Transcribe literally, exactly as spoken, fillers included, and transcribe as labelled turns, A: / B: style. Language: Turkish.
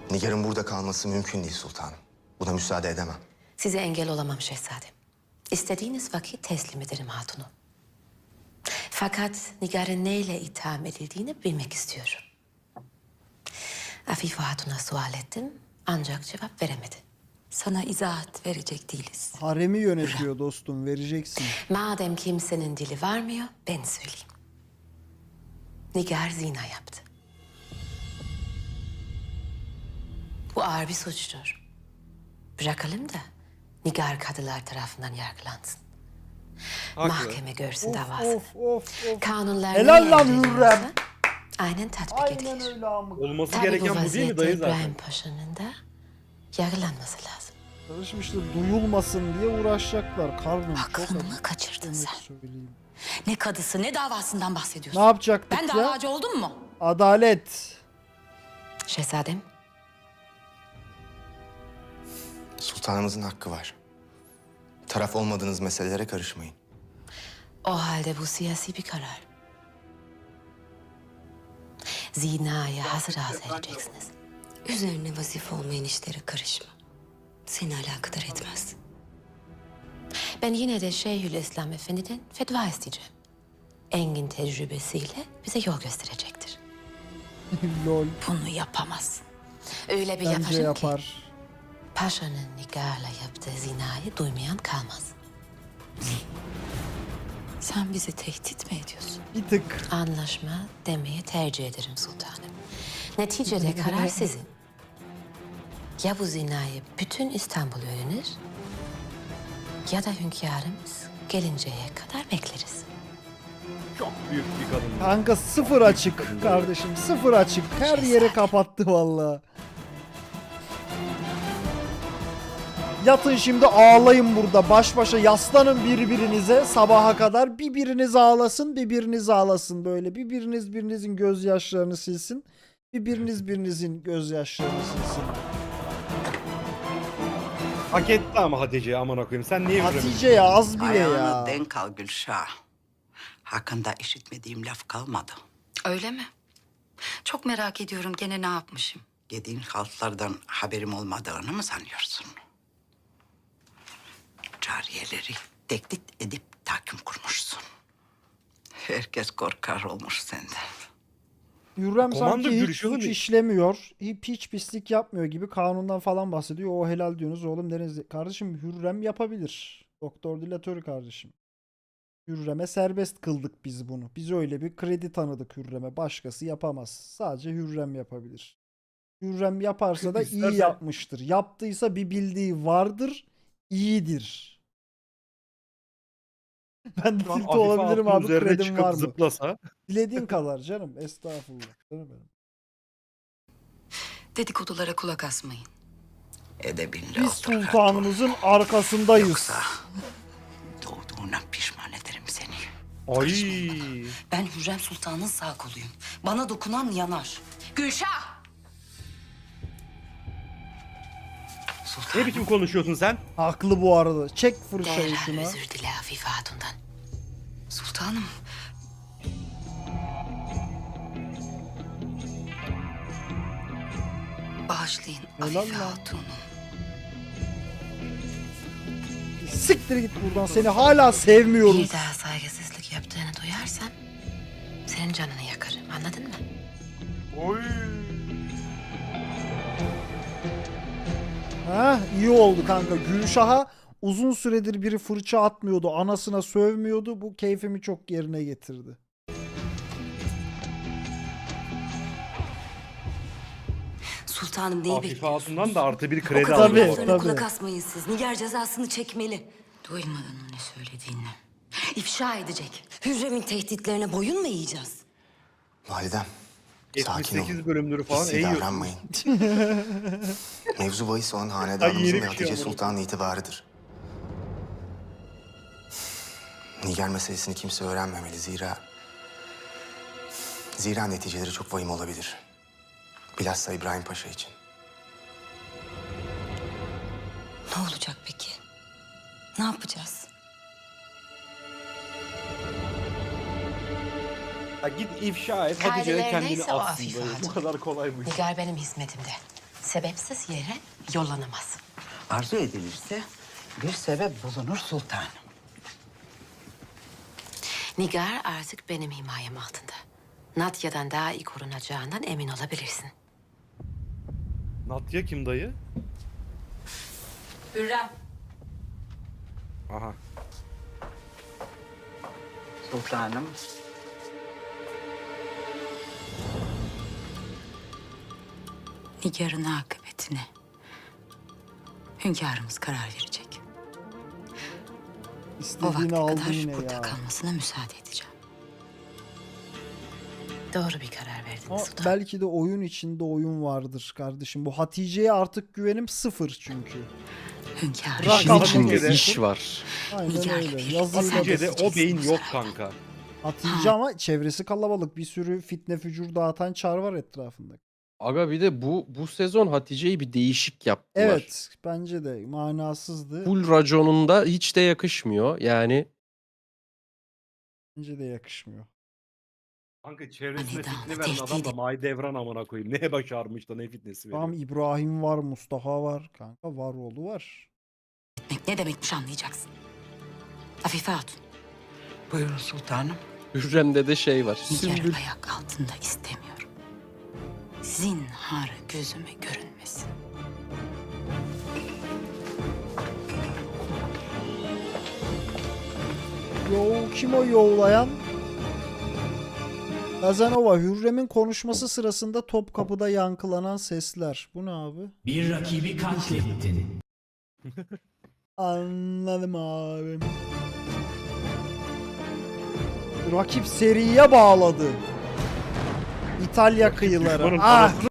A: Nigar'ın burada kalması mümkün değil sultanım. Buna müsaade edemem.
B: Size engel olamam şehzadem. İstediğiniz vakit teslim ederim hatunu. Fakat Nigar'ın neyle itham edildiğini bilmek istiyorum. Afife Hatun'a sual ettim ancak cevap veremedi.
C: Sana izahat verecek değiliz.
D: Haremi yönetiyor dostum, vereceksin.
B: Madem kimsenin dili varmıyor ben söyleyeyim. Nigar zina yaptı. Bu ağır bir suçtur. Bırakalım da Nigar kadılar tarafından yargılansın.
E: Haklı.
B: Mahkeme görsün
D: Of
B: davasını.
D: of of of.
B: Kanunlar
D: Helal
B: neyi
D: lan
B: emrediyorsa
D: Hürrem.
B: aynen tatbik
D: Aynen
B: edilir.
D: öyle amık.
E: Olması
B: Tabii bu
E: gereken bu değil mi
B: vaziyette
E: dayı zaten?
B: İbrahim Paşa'nın da yargılanması lazım.
D: Karışmıştır, duyulmasın diye uğraşacaklar. Karnım çok
C: Aklını
D: acı.
C: mı kaçırdın
D: Evet,
C: sen?
D: söyleyeyim.
C: Ne kadısı ne davasından bahsediyorsun?
D: Ne yapacaktık
C: Ben
D: ya?
C: davacı oldum mu?
D: Adalet.
B: Şehzadem,
A: Sultanımızın hakkı var. Taraf olmadığınız meselelere karışmayın.
B: o halde bu siyasi bir karar. Zinaya hazır hazır edeceksiniz.
C: Üzerine vazife olmayan işlere karışma. Seni alakadar etmez.
B: Ben yine de Şeyhülislam Efendi'den fetva isteyeceğim. Engin tecrübesiyle bize yol gösterecektir.
D: Lol.
C: Bunu yapamaz.
B: Öyle bir
D: Bence
B: yaparım ki
D: yapar.
B: Paşa'nın Nigar'la yaptığı zinayı duymayan kalmaz.
C: Sen bizi tehdit mi ediyorsun?
D: Bir tık.
B: Anlaşma demeyi tercih ederim sultanım. Neticede karar sizin. Ya bu zinayı bütün İstanbul öğrenir ya da hünkârımız gelinceye kadar bekleriz.
E: Çok büyük bir kadın.
D: Kanka sıfır açık kardeşim, sıfır açık. Her yeri kapattı vallahi. Yatın şimdi ağlayın burada. Baş başa yaslanın birbirinize sabaha kadar. Bir biriniz ağlasın, bir biriniz ağlasın böyle. Bir biriniz birinizin gözyaşlarını silsin. Bir biriniz birinizin gözyaşlarını silsin.
E: Hak etti ama Hatice'yi aman okuyayım. Sen niye Hürrem'i-
D: Hatice ya az bile ya.
F: Ayağını denk al Gülşah. Hakkında işitmediğim laf kalmadı.
C: Öyle mi? Çok merak ediyorum gene ne yapmışım?
F: Yediğin haltlardan haberim olmadığını mı sanıyorsun? Cariyeleri tehdit edip tahkim kurmuşsun. Herkes korkar olmuş senden.
D: Hürrem
E: Komando
D: sanki hiç
E: görüşüyor
D: suç
E: mu?
D: işlemiyor. Hiç, hiç pislik yapmıyor gibi kanundan falan bahsediyor. O helal diyorsunuz oğlum deniz. Kardeşim Hürrem yapabilir. Doktor Dilatörü kardeşim. Hürrem'e serbest kıldık biz bunu. Biz öyle bir kredi tanıdık Hürrem'e. Başkası yapamaz. Sadece Hürrem yapabilir. Hürrem yaparsa da iyi
E: İsterse-
D: yapmıştır. Yaptıysa bir bildiği vardır. İyidir. Ben de
E: Şu an
D: tilt
E: Afife
D: olabilirim
E: Hatun
D: abi.
E: üzerine
D: Kredim
E: çıkıp
D: var mı?
E: zıplasa.
D: Dilediğin kadar canım. Estağfurullah. Canım benim.
C: Dedikodulara kulak asmayın.
F: Edebinle
D: Biz
F: otur hatun.
D: sultanımızın arkasındayız.
F: Yoksa doğduğuna pişman ederim seni.
E: Ay.
C: Ben Hürrem Sultan'ın sağ koluyum. Bana dokunan yanar. Gülşah!
E: Ne biçim konuşuyorsun sen?
D: Haklı bu arada. Çek fırçayı
B: Derhal
D: şuna.
B: özür dile Afife Hatun'dan.
C: Sultanım. Bağışlayın
D: Helal
C: Afife
D: lan.
C: Hatun'u.
D: Siktir git buradan. Seni hala sevmiyoruz.
B: Bir daha saygısızlık yaptığını duyarsam senin canını yakarım. Anladın mı?
E: Oy.
D: Ha, iyi oldu kanka. Gülşah'a uzun süredir biri fırça atmıyordu. Anasına sövmüyordu. Bu keyfimi çok yerine getirdi.
C: Sultanım neyi
E: Afife
C: bekliyorsunuz?
E: Hatun'dan da artı bir
C: O
E: kredi
C: kadar
D: Tabii,
E: alıyor.
C: laflarına
D: tabii.
C: kulak asmayın siz. Nigar cezasını çekmeli. Duymadın mı ne söylediğini? İfşa edecek. Hürrem'in tehditlerine boyun mu eğeceğiz?
A: Validem, sakin
E: yetmiş sekiz
A: olun.
E: bölümleri falan
A: Hissi
E: eğiyorsun.
A: davranmayın. Mevzu bahis olan
E: Ay,
A: hanedanımızın
E: yeni
A: ve
E: bir şey
A: Hatice
E: ama.
A: Sultan'ın itibarıdır. Nigar meselesini kimse öğrenmemeli zira... Zira neticeleri çok vahim olabilir. Bilhassa İbrahim Paşa için.
C: Ne olacak peki? Ne yapacağız?
E: Ya git ifşa et Hatice'ye
B: Kaideler
E: kendini
B: neyse o
E: atsın
B: Afife
E: böyle. Bu
B: Hatun.
E: kadar kolay bu iş.
B: Nigar benim hizmetimde. sebepsiz yere yollanamaz.
F: Arzu edilirse bir sebep bulunur sultanım.
B: Nigar artık benim himayem altında. Natya'dan daha iyi korunacağından emin olabilirsin.
E: Natya kim dayı?
C: Hürrem.
E: Aha.
F: Sultanım.
C: Nigar'ın akıbetine hünkârımız karar verecek. O
D: İstediğini
C: vakte
D: aldı
C: kadar
D: yine
C: burada
D: ya.
C: kalmasına müsaade edeceğim.
B: Doğru bir karar verdiniz
D: Ama
B: sultanım.
D: belki de oyun içinde oyun vardır kardeşim. Bu Hatice'ye artık güvenim sıfır çünkü.
C: Hünkârım.
E: Bırak
G: İşin
E: Rakamın
G: içinde
E: içinde.
G: iş var.
D: Aynen
C: Nigar'la
D: öyle.
C: birlikte
D: Yazıyla da
E: Hatice'de
C: Sadece
E: o beyin yok
C: sarayda.
E: kanka.
D: Hatice ama çevresi kalabalık. Bir sürü fitne fücur dağıtan çar var etrafında.
G: Aga bir de bu bu sezon Hatice'yi bir değişik yaptılar.
D: Evet bence de manasızdı.
G: Full raconunda hiç de yakışmıyor. Yani
D: Bence de yakışmıyor.
E: Kanka çevresine
C: Hani daha
E: fitne veren adam da
C: tehdit-
E: Mahidevran amına koyayım. Neye başarmış da ne fitnesi veriyor.
D: Tamam İbrahim var, Mustafa var. Kanka var oğlu var.
C: Etmek ne demekmiş anlayacaksın. Afife Hatun,
F: Buyurun sultanım.
G: Hürrem'de de şey var.
C: Nigar'ı
G: Sümbül.
C: ayak altında istemiyorum. Zinhar gözüme görünmesin.
D: Yo kim o yoğlayan? Kazanova Hürrem'in konuşması sırasında Topkapı'da yankılanan sesler. Bu ne abi?
H: Bir rakibi katlettin.
D: Anladım abi. Rakip seriye bağladı. İtalya kıyıları.
E: düşmanın
D: Ah
E: parası.